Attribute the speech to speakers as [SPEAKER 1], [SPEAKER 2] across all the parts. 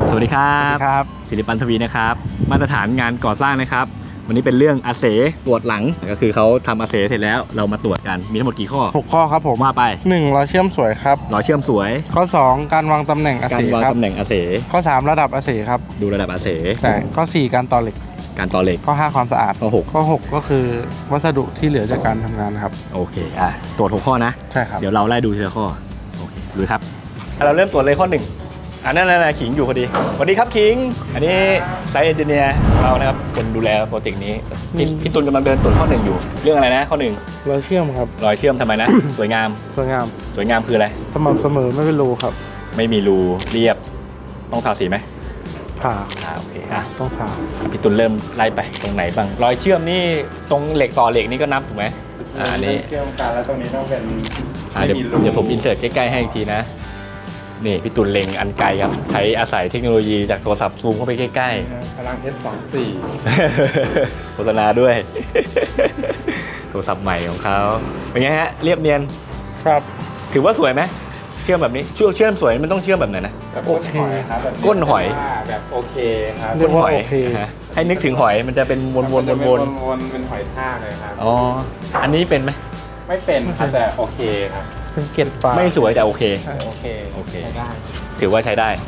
[SPEAKER 1] สวัสดีครับ
[SPEAKER 2] ครับ
[SPEAKER 1] ศิริปันทวีนะครับมาตรฐานงานก่อสร้างนะครับวันนี้เป็นเรื่องอาเสตรวจหลังก็คือเขาทำอาเสเสร็จแล้วเรามาตรวจกันมีทั้งหมดกี่ข้อ
[SPEAKER 2] 6 ข้อครับผม
[SPEAKER 1] ว่าไป
[SPEAKER 2] 1เราเชื่อมสวยครับ
[SPEAKER 1] รอยเชื่อมสวย
[SPEAKER 2] ข้อ 2 การวางตำแหน่งอา
[SPEAKER 1] การ
[SPEAKER 2] เส
[SPEAKER 1] วาง
[SPEAKER 2] ครับ
[SPEAKER 1] ตำแหน่งอาเส
[SPEAKER 2] ข้อ 3 ระดับอาเสครับ
[SPEAKER 1] ดูระดับอาเส
[SPEAKER 2] ใช่ข้อ 4 การต่อเหล็ก
[SPEAKER 1] การต่อเหล็ก
[SPEAKER 2] ข้อ 5 ความสะอาด
[SPEAKER 1] ข้อ
[SPEAKER 2] ข้อ 6 ก็คือวัสดุที่เหลือจากการทำงานครับ
[SPEAKER 1] 6โอเคตรวจ6ข้อนะ
[SPEAKER 2] ใช่ครับ
[SPEAKER 1] เดี๋ยวเราไล่ดูทีละข้อโอเคดูครับเราเริ่มตรวจเลยข้อ 1นั่นขิงอยู่พอดีสวัสดีครับขิงอันนี้ไซต์เอนจิเนียร์ของเรานะครับคนดูแลโปรเจกต์นี้พี่ตุลกำลังเดินตรวจข้อ 1อยู่เรื่องอะไรนะข้อ 1
[SPEAKER 2] เราเชื่อมครับ
[SPEAKER 1] รอยเชื่อมทำไมนะ สวยงาม
[SPEAKER 2] สวยงาม
[SPEAKER 1] สวยงามคืออะไร
[SPEAKER 2] สม่ำเสมอไม่เป็นรูครับ
[SPEAKER 1] ไม่มีรูเรียบต้องทาสีไหม
[SPEAKER 2] ผ่า
[SPEAKER 1] โอเค
[SPEAKER 2] ต้องผ่า
[SPEAKER 1] พี่ตุลเริ่มไล่ไปตรงไหนบ้างรอยเชื่อมนี่ตรงเหล็กต่อเหล็กนี่ก็นับถูกไหมอันนี้
[SPEAKER 2] เชื่อมกันแล้วตรงนี้ต้องเป็น
[SPEAKER 1] เดี๋ยวผมอินเสิร์ตใกล้ๆให้อีกทีนะนี่พี่ตุลเล็งอันไกลครับใช้อาศัยเทคโนโลยีจากโทรศัพท์ซูมเข้าไปใกล้ๆ
[SPEAKER 2] พลัง S24
[SPEAKER 1] โฆษณาด้วย โทรศัพท์ใหม่ของเขาเป็นไงฮะเรียบเนียน
[SPEAKER 2] ครับ
[SPEAKER 1] ถือว่าสวยไหมเชื่อมแบบนี้เชื่อมสวยมันต้องเชื่อมแบบไหนนะ
[SPEAKER 2] แบบโอเคครับ
[SPEAKER 1] ก้นหอย
[SPEAKER 2] แบบโอเคครับ
[SPEAKER 1] ก้นหอย
[SPEAKER 2] โอเค
[SPEAKER 1] ฮะให้นึกถึงหอยมันจะเป็นวนๆวนๆ
[SPEAKER 2] วนเป็นหอยทากเลยครับ
[SPEAKER 1] อ๋ออันนี้เป็นไหม
[SPEAKER 2] ไม่เป็นครับแต่โอเคครับเป็นเกล็ดปลา
[SPEAKER 1] ไม่สวยแต่โอเค
[SPEAKER 2] โอเค
[SPEAKER 1] โอเค
[SPEAKER 2] ใช้ได้
[SPEAKER 1] ถือว่าใช้ได้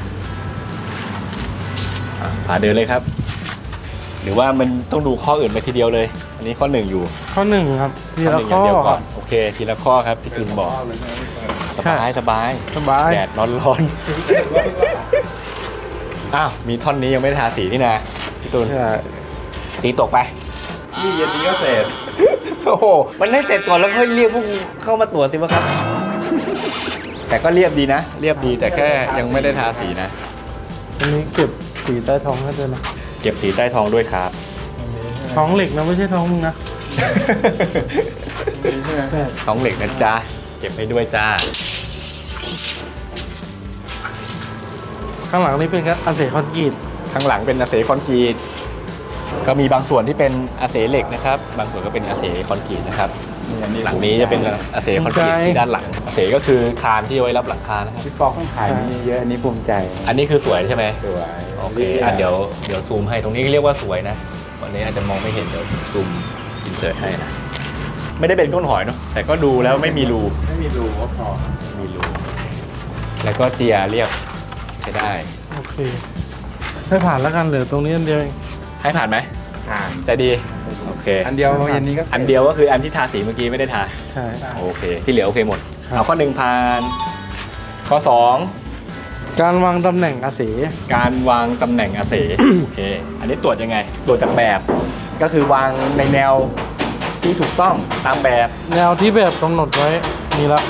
[SPEAKER 1] พาเดินเลยครับ หรือว่ามันต้องดูข้ออื่นไปทีเดียวเลย อันนี้ข้อ 1อยู่
[SPEAKER 2] ข้อ 1ครับทีละ
[SPEAKER 1] ข้
[SPEAKER 2] ข้
[SPEAKER 1] อ
[SPEAKER 2] อ
[SPEAKER 1] หนึ่งย่างเดียวก่อนโอเคทีละข้อครับพี่ตุลบอกสบายสบาย
[SPEAKER 2] สบาย
[SPEAKER 1] แดดร้อนๆอ้าวมีท่อนนี้ยังไม่ได้ทาสีนี่นะพี่ตุล
[SPEAKER 2] ใช่
[SPEAKER 1] ตีตกไปนี่เย็นนี้ก็เสร็จโอ้โหมันให้เสร็จก่อนแล้วค่อยเรียกพวกเข้ามาตรวจสิวะครับ แต่ก็เรียบดีนะเรียบดีแต่แค่ยังไม่ได้ทาสีนะ
[SPEAKER 2] อันนี้เก็บสีใต้ท้องให้ด้วยนะ
[SPEAKER 1] เก็บสีใต้ท้องด้วยครับ
[SPEAKER 2] ท้องเหล็กนะไม่ใช่ท้องมึงนะ
[SPEAKER 1] ท้องเหล็กนะจ๊ะเก็บให้ด้วยจ้า
[SPEAKER 2] ข้างหลังนี่เป็นอาเสคอนกรีต
[SPEAKER 1] ข้างหลังเป็นอาเสคอนกรีตก็มีบางส่วนที่เป็นอาเสเหล็กนะครับบางส่วนก็เป็นอาเสคอนกรีตนะครับหลังนี้จะเป็นอาเสคอนกรีตที่ด้านหลังอาเสก็คือคานที่เอาไว้รับหลังคานะครับ
[SPEAKER 3] พี่ปอกข้างขายนี่เยอะอันนี้ภูมิใจ
[SPEAKER 1] อันนี้คือสวยใช่ไหม
[SPEAKER 3] สวย
[SPEAKER 1] โอเคเดี๋ยวซูมให้ตรงนี้เรียกว่าสวยนะวันนี้อาจจะมองไม่เห็นเดี๋ยวซูมอินเสิร์ตให้นะไม่ได้เป็นก้นหอยเนาะแต่ก็ดูแล้วไม่มีรู
[SPEAKER 3] ไม่มีรูก็พอ
[SPEAKER 1] มีรูแล้วก็เจียเรียบใช้ได้
[SPEAKER 2] โอเคให้ผ่านแล้วกันเหลือตรงนี้อันเดียวเอง
[SPEAKER 1] ให้ผ่านไหม
[SPEAKER 3] ผ่าน
[SPEAKER 1] ใจดีโอเค
[SPEAKER 3] อันเดียวเย็นนี้ก็สร็จ
[SPEAKER 1] อันเดียวก็คืออันที่ทาสีเมื่อกี้ไม่ได้ทา
[SPEAKER 2] ใช่
[SPEAKER 1] โอเคที่เหลือโอเคหมด
[SPEAKER 2] ครับ
[SPEAKER 1] เอาข้อ 1ผ่านข้อ
[SPEAKER 2] การวางตำแหน่งอาเส
[SPEAKER 1] 2การวางตำแหน่งอาเส โอเคอันนี้ตรวจยังไงตรวจจากแบบก็คือวางในแนวที่ถูกต้องตามแบบ
[SPEAKER 2] แนวที่แบบกำหนดไว้มีละ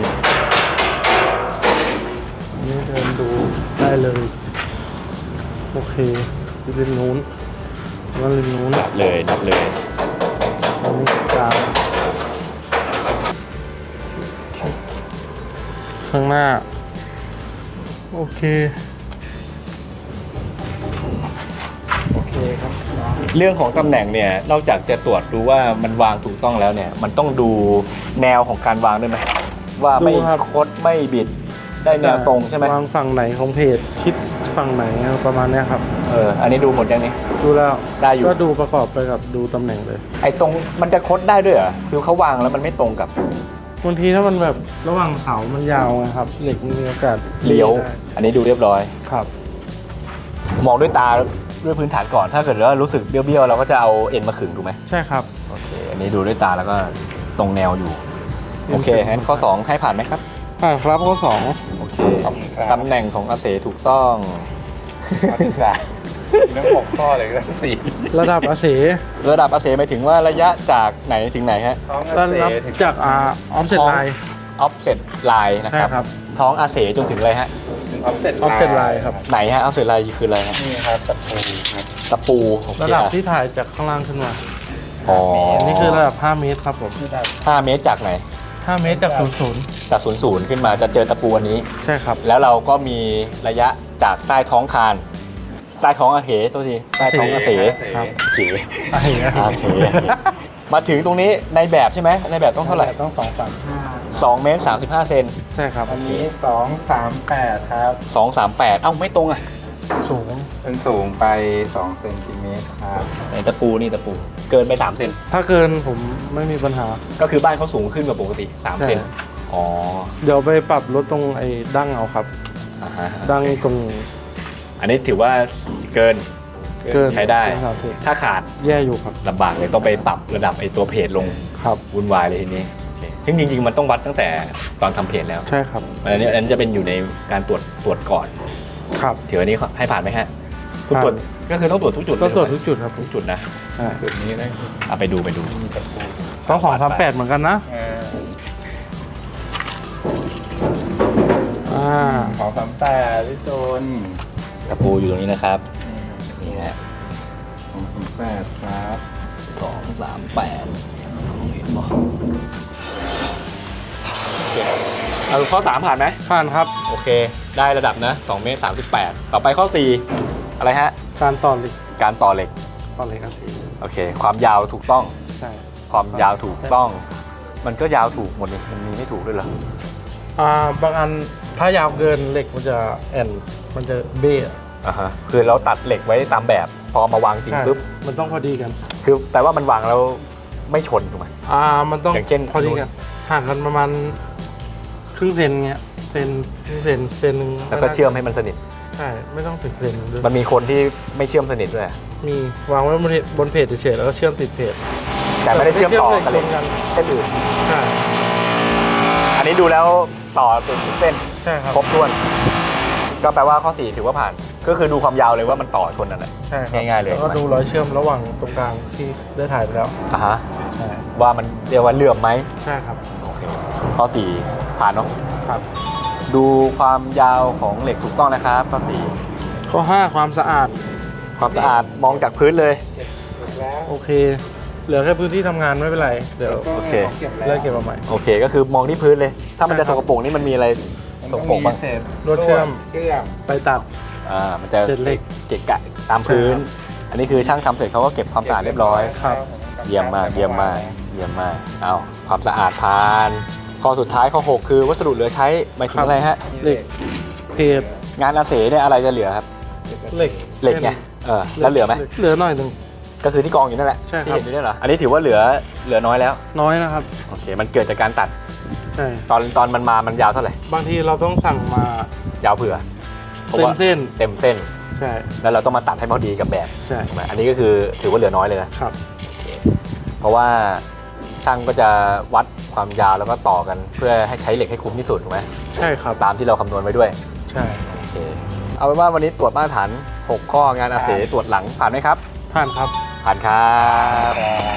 [SPEAKER 2] นี่เดินดูได้เลยโอเคที่เลนนู้นแล้วเลนนู้น
[SPEAKER 1] นับเลยนับเลย
[SPEAKER 2] อันนี้กลางข้างหน้าโอเค
[SPEAKER 3] โอเคครับ
[SPEAKER 1] เรื่องของตำแหน่งเนี่ยนอกจากจะตรวจดูว่ามันวางถูกต้องแล้วเนี่ยมันต้องดูแนวของการวางด้วยไหมว่าไม่
[SPEAKER 2] ดูครับ
[SPEAKER 1] คดไม่บิดได้แนวตรงใช่ไหม
[SPEAKER 2] วางฝั่งไหนของเพจชิดฝั่งไหนประมาณเนี้ยครับ
[SPEAKER 1] อันนี้ดูหมดยังนี้
[SPEAKER 2] ดูแล้ว
[SPEAKER 1] ได้อยู่
[SPEAKER 2] ก็ดูประกอบไปกับดูตำแหน่งเลย
[SPEAKER 1] ไอ้ตรงมันจะคดได้ด้วยเหรอคือเขาวางแล้วมันไม่ตรงกับบ
[SPEAKER 2] างทีถ้ามันแบบระหว่างเสามันยาวไงครับเหล็กมีโอกาส
[SPEAKER 1] เลี้ยว
[SPEAKER 2] ได้
[SPEAKER 1] อันนี้ดูเรียบร้อย
[SPEAKER 2] ครับ
[SPEAKER 1] มองด้วยตาด้วยพื้นฐานก่อนถ้าเกิดว่ารู้สึกเบี้ยวๆเราก็จะเอาเอ็นมาขึงถูกไหม
[SPEAKER 2] ใช่ครับ
[SPEAKER 1] โอเคอันนี้ดูด้วยตาแล้วก็ตรงแนวอยู่โอเคงั้นข้อ 2 ให้ผ่านไหมครับ
[SPEAKER 2] ครับข้อสอง
[SPEAKER 1] โอเคตำแหน่งของอาเสถูกต้อง
[SPEAKER 3] ข้อที่สามเรื่อง6ข้อเลยเรื่องสี่
[SPEAKER 2] ระดับอาเส
[SPEAKER 1] ระดับอาเสหมายถึงว่าระยะจากไหนถึงไหนฮะ
[SPEAKER 3] ท้อง
[SPEAKER 2] ระ
[SPEAKER 3] เก
[SPEAKER 2] ดับ
[SPEAKER 3] ษตร
[SPEAKER 2] จากออฟเซ็ตไลน์
[SPEAKER 1] offset line นะ
[SPEAKER 2] ใช่
[SPEAKER 1] ครับ
[SPEAKER 2] ครับ
[SPEAKER 1] ท้องอาเสจนถึงอะไรฮะ
[SPEAKER 3] ถึงออฟเซ็ต
[SPEAKER 2] offset line ครับ
[SPEAKER 1] ไหนฮะ offset line คืออะไรฮะ
[SPEAKER 3] นี่ครับตะปูครับ
[SPEAKER 1] ตะปูโอเค
[SPEAKER 2] ระดับที่ถ่ายจากข้างล่างขึ้นมา
[SPEAKER 1] อ๋อ
[SPEAKER 2] อันนี้คือระดับ 5 เมตรครับผม
[SPEAKER 1] 5 เมตรจากไหน
[SPEAKER 2] 5 เมตรจากศูนย์
[SPEAKER 1] จาก00ขึ้นมาจะเจอตะปูอันนี้
[SPEAKER 2] ใช่ครับ
[SPEAKER 1] แล้วเราก็มีระยะจากใต้ท้องคานใต้ท้องอาเสโทษทีใต้ท้องอาเส
[SPEAKER 2] ครับ
[SPEAKER 1] โอเค
[SPEAKER 2] อาเส
[SPEAKER 1] อาเสมาถึงตรงนี้ในแบบใช่ไหมในแบบต้องเท่าไหร่
[SPEAKER 3] ต้อง235
[SPEAKER 1] 2 เมตร 35 เซน
[SPEAKER 2] ใช่ครับ
[SPEAKER 3] อันนี้238ครับ
[SPEAKER 1] 238เอ้าไม่ตรงอ่ะ
[SPEAKER 3] มันสูงไป2 เซนติเมตรครับ
[SPEAKER 1] ในตะปูนี่ตะปู เกินไป3 เซน
[SPEAKER 2] ถ้าเกินผมไม่มีปัญหา
[SPEAKER 1] ก็คือบ้านเขาสูงขึ้นกว่าปกติ3 เซน
[SPEAKER 2] ใช่
[SPEAKER 1] อ๋อ
[SPEAKER 2] เดี๋ยวไปปรับลดตรงไอ้ดั้งเอาครับ
[SPEAKER 1] อ่าฮะ
[SPEAKER 2] ดั้งตรง
[SPEAKER 1] อันนี้ถือว่าเกิน
[SPEAKER 2] เกิน
[SPEAKER 1] ใช้ได้
[SPEAKER 2] เกิน30
[SPEAKER 1] ถ้าขาด
[SPEAKER 2] แย่อยู่ครับ
[SPEAKER 1] ลำบากเลยต้องไปปรับระดับไอ้ตัวเพจลง
[SPEAKER 2] ครับ
[SPEAKER 1] วุ่นวายเลยทีนี้โอเคซึ่งจริงๆมันต้องวัดตั้งแต่ตอนทำเพจแล้ว
[SPEAKER 2] ใช่ครับ
[SPEAKER 1] อันนี้จะเป็นอยู่ในการตรวจก่อน
[SPEAKER 2] ครับ
[SPEAKER 1] ถืออันนี้ให้ผ่านไหมฮะทุกตรวจก็คือต้องตรวจทุกจุด
[SPEAKER 2] ก็ตรวจ
[SPEAKER 1] เลย
[SPEAKER 2] ทุกจุดครับ
[SPEAKER 1] ทุกจุดนะ
[SPEAKER 2] ใช่
[SPEAKER 3] จุดนี้นะ
[SPEAKER 1] เอาไปดู
[SPEAKER 3] มีตะปู
[SPEAKER 2] ต้อง238เหมือนกันนะ
[SPEAKER 3] 238พี่ตูน
[SPEAKER 1] ตะปูอยู่ตรงนี้นะครับนี่ฮะ
[SPEAKER 3] 238ครับ
[SPEAKER 1] 238เห็นบ่เอาข้อ 3 ผ่านไหม
[SPEAKER 2] ผ่านครับ
[SPEAKER 1] โอเค ได้ระดับนะ2 เมตร 38 ต่อไปข้อ 4 อะไรฮะ
[SPEAKER 2] การต่อเหล็ก
[SPEAKER 1] การต่อเหล็ก
[SPEAKER 2] ต่อเหล็กอาศี
[SPEAKER 1] โอเค ความยาวถูกต้อง
[SPEAKER 2] ใช่
[SPEAKER 1] ความยาวถูกต้อง มันก็ยาวถูกหมดเลยมันมีไม่ถูกด้วยเหรอ
[SPEAKER 2] บางอันถ้ายาวเกินเหล็กมันจะแอนมันจะเบ้อะ
[SPEAKER 1] อ่าฮะคือเราตัดเหล็กไว้ตามแบบ พอมาวางจริง
[SPEAKER 2] ใช่
[SPEAKER 1] ปุ๊บ
[SPEAKER 2] มันต้องพอดีกัน
[SPEAKER 1] คือแปลว่ามันวางแล้วไม่ชนถูกไหม
[SPEAKER 2] มันต้อง
[SPEAKER 1] อย่างเช่น
[SPEAKER 2] พอดีกันห่างกันประมาณครึ่งเซนเงี้ยเซนครึ่งเซนเซนหนึ่ง
[SPEAKER 1] แล้วก็เชื่อมให้มันสนิท
[SPEAKER 2] ใช่ไม่ต้องถึงเซนด้วย
[SPEAKER 1] มันมีคนที่ไม่เชื่อมสนิทด้วย
[SPEAKER 2] มีวางไว้บนเพจเฉยๆแล้วก็เชื่อมติดเพจ
[SPEAKER 1] แต่ไม่ได้เชื่อมต่อกับเหล็ก
[SPEAKER 2] กัน
[SPEAKER 1] เส้นอื่น
[SPEAKER 2] ใช่
[SPEAKER 1] อันนี้ดูแล้วต่อเป็นเส้น
[SPEAKER 2] ใช่ครับ
[SPEAKER 1] ครบถ้วน ก็แปลว่าข้อ 4 ถือว่าผ่าน ก็คือดูความยาวเลยว่ามันต่อชนนั่นแหละ
[SPEAKER 2] ใช่ครับ
[SPEAKER 1] ง่ายๆเลย
[SPEAKER 2] แล้วก็ดูรอยเชื่อมระหว่างตรงกลางที่ได้ถ่ายไปแล้ว
[SPEAKER 1] อ่ะฮะ
[SPEAKER 2] ใช่
[SPEAKER 1] ว่ามันเรียกว่าเหลื่อมไหม
[SPEAKER 2] ใช่ครับ
[SPEAKER 1] โอเค ข้อ 4 ผ่านเนาะ
[SPEAKER 2] ครับ
[SPEAKER 1] ดูความยาวของเหล็กถูกต้องนะครับ ข้อ
[SPEAKER 2] ข้อ 5 ความสะอาด
[SPEAKER 1] 4 ความสะอาดมองจากพื้นเลย
[SPEAKER 2] โอเค เหลือแค่พื้นที่ทำงานไม่เป็นไรเดี๋ยว
[SPEAKER 1] โอเค
[SPEAKER 2] เลิกเก็บมาใหม่
[SPEAKER 1] โอเค ก็คือมองที่พื้นเลย ถ้ามันจะสกปรกนี่มันมีอะไรสกปรกบ้าง
[SPEAKER 2] ลวดเชื่อม
[SPEAKER 3] เชื่อม
[SPEAKER 2] ไปตัด
[SPEAKER 1] มันจะ
[SPEAKER 2] เศษเหล็ก
[SPEAKER 1] เกะกะตามพื้น อันนี้คือช่างทำเสร็จเขาก็เก็บความสะอาดเรียบร้อย
[SPEAKER 2] ครับ
[SPEAKER 1] เยี่ยมมาก เยี่ยมมาก เยี่ยมมาก เอาความสะอาดผ่าน ข้อสุดท้ายข้อ 6 คือวัสดุเหลือใช้หมายถึงอะไรฮะ
[SPEAKER 2] เหล็กเพจ
[SPEAKER 1] งานอาเสเนี่ยอะไรจะเหลือครับ
[SPEAKER 2] เหล็ก
[SPEAKER 1] เหล็กไง แล้วเหลือไหม
[SPEAKER 2] เหลือหน่อยหนึ่ง
[SPEAKER 1] ก็คือที่กองอยู่นั่นแหละ
[SPEAKER 2] ใช่ครับ
[SPEAKER 1] ที่เห็นอยู่เนี่ยเหรอ อันนี้ถือว่าเหลือน้อยแล้ว
[SPEAKER 2] น้อยนะครับ
[SPEAKER 1] โอเค มันเกิดจากการตัด
[SPEAKER 2] ใช่
[SPEAKER 1] ตอนมันมามันยาวเท่าไหร่
[SPEAKER 2] บางทีเราต้องสั่งมาย
[SPEAKER 1] าวเผื่อพราะ
[SPEAKER 2] เต็ม
[SPEAKER 1] ว่า
[SPEAKER 2] เส้น
[SPEAKER 1] เต็มเส้น
[SPEAKER 2] ใช่
[SPEAKER 1] แล้วเราต้องมาตัดให้พอดีกับแบบ
[SPEAKER 2] ใช่
[SPEAKER 1] ถูกไหมอันนี้ก็คือถือว่าเหลือน้อยเลยนะ
[SPEAKER 2] ครับ
[SPEAKER 1] เพราะว่าช่างก็จะวัดความยาวแล้วก็ต่อกันเพื่อให้ใช้เหล็กให้คุ้มที่สุดถูกไหม
[SPEAKER 2] ใช่ครับ
[SPEAKER 1] ตามที่เราคำนวณไว้ด้วย
[SPEAKER 2] ใช่
[SPEAKER 1] โอเคเอาเป็นว่าวันนี้ตรวจมาตรฐาน 6 ข้องานอาเสตรวจหลังผ่านไหมครับ
[SPEAKER 2] ผ่านครับ
[SPEAKER 1] ผ่านครับ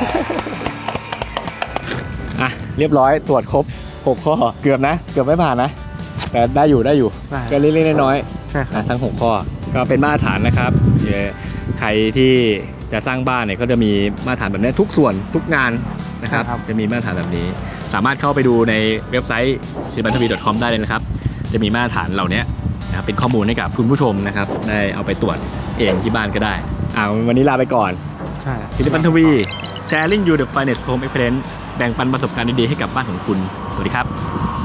[SPEAKER 1] อ่ะเรียบร้อยตรวจครบ 6 ข้อเกือบนะ เกือบไม่ผ่านนะ แต่ได้อยู่
[SPEAKER 2] ได้
[SPEAKER 1] ก็เล็กๆน้อย
[SPEAKER 2] ใช่ครับ
[SPEAKER 1] ๆทั้ง 6 ข้อก็เป็นมาตรฐานนะครับใครที่จะสร้างบ้านเนี่ยก็จะมีมาตรฐานแบบนี้ทุกส่วนทุกงานนะครับ
[SPEAKER 2] ครับ
[SPEAKER 1] จะมีมาตรฐานแบบนี้ สามารถเข้าไปดูในเว็บไซต์ silbantavi.com ได้เลยนะครับ จะมีมาตรฐานเหล่านี้นะครับเป็นข้อมูลให้กับคุณผู้ชมนะครับได้เอาไปตรวจเองที่บ้านก็ได้วันนี้ลาไปก่อน
[SPEAKER 2] ใช่
[SPEAKER 1] ศิลปันทวี sharing you the finest home experience แบ่งปันประสบการณ์ดีๆให้กับบ้านของคุณ สวัสดีครับ